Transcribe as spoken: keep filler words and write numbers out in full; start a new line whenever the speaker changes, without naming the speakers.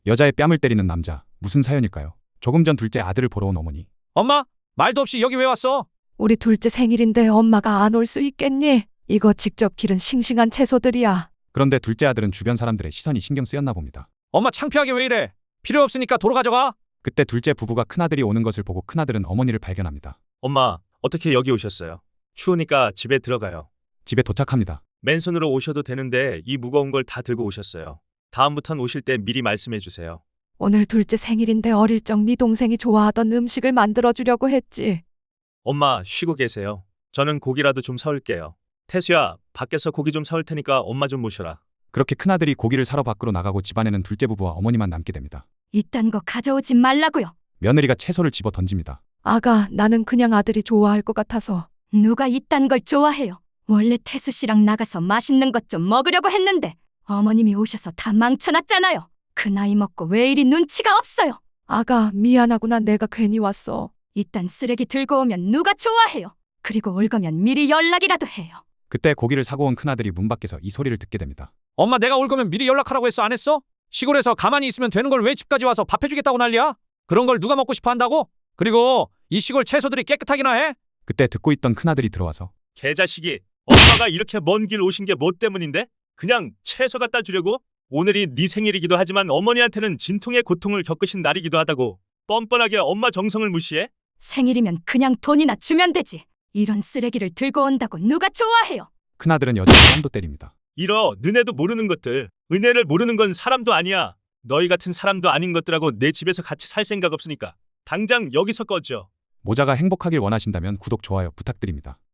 여자의 뺨을 때리는 남자, 무슨 사연일까요? 조금 전 둘째 아들을 보러 온 어머니.
엄마, 말도 없이 여기 왜 왔어?
우리 둘째 생일인데 엄마가 안 올 수 있겠니? 이거 직접 기른 싱싱한 채소들이야.
그런데 둘째 아들은 주변 사람들의 시선이 신경 쓰였나 봅니다.
엄마 창피하게 왜 이래? 필요 없으니까 도로 가져가.
그때 둘째 부부가 큰아들이 오는 것을 보고 큰아들은 어머니를 발견합니다.
엄마, 어떻게 여기 오셨어요? 추우니까 집에 들어가요.
집에 도착합니다.
맨손으로 오셔도 되는데 이 무거운 걸 다 들고 오셨어요. 다음부턴 오실 때 미리 말씀해 주세요.
오늘 둘째 생일인데 어릴 적 네 동생이 좋아하던 음식을 만들어주려고 했지.
엄마, 쉬고 계세요. 저는 고기라도 좀 사올게요. 태수야, 밖에서 고기 좀 사올 테니까 엄마 좀 모셔라.
그렇게 큰아들이 고기를 사러 밖으로 나가고 집안에는 둘째 부부와 어머니만 남게 됩니다.
이딴 거 가져오지 말라고요.
며느리가 채소를 집어 던집니다.
아가, 나는 그냥 아들이 좋아할 것 같아서.
누가 이딴 걸 좋아해요. 원래 태수 씨랑 나가서 맛있는 것 좀 먹으려고 했는데 어머님이 오셔서 다 망쳐놨잖아요. 그 나이 먹고 왜 이리 눈치가 없어요.
아가, 미안하구나. 내가 괜히 왔어.
이딴 쓰레기 들고 오면 누가 좋아해요. 그리고 올 거면 미리 연락이라도 해요.
그때 고기를 사고 온 큰아들이 문 밖에서 이 소리를 듣게 됩니다.
엄마, 내가 올 거면 미리 연락하라고 했어, 안 했어? 시골에서 가만히 있으면 되는 걸 왜 집까지 와서 밥 해주겠다고 난리야? 그런 걸 누가 먹고 싶어 한다고? 그리고 이 시골 채소들이 깨끗하기나 해?
그때 듣고 있던 큰아들이 들어와서
개자식이, 엄마가 이렇게 먼 길 오신 게 뭐 때문인데? 그냥 채소 갖다 주려고? 오늘이 네 생일이기도 하지만 어머니한테는 진통의 고통을 겪으신 날이기도 하다고 뻔뻔하게 엄마 정성을 무시해?
생일이면 그냥 돈이나 주면 되지. 이런 쓰레기를 들고 온다고 누가 좋아해요.
큰아들은 여자를 뺨도 때립니다.
이러 너네도 모르는 것들. 은혜를 모르는 건 사람도 아니야. 너희 같은 사람도 아닌 것들하고 내 집에서 같이 살 생각 없으니까 당장 여기서 꺼져.
모자가 행복하길 원하신다면 구독, 좋아요 부탁드립니다.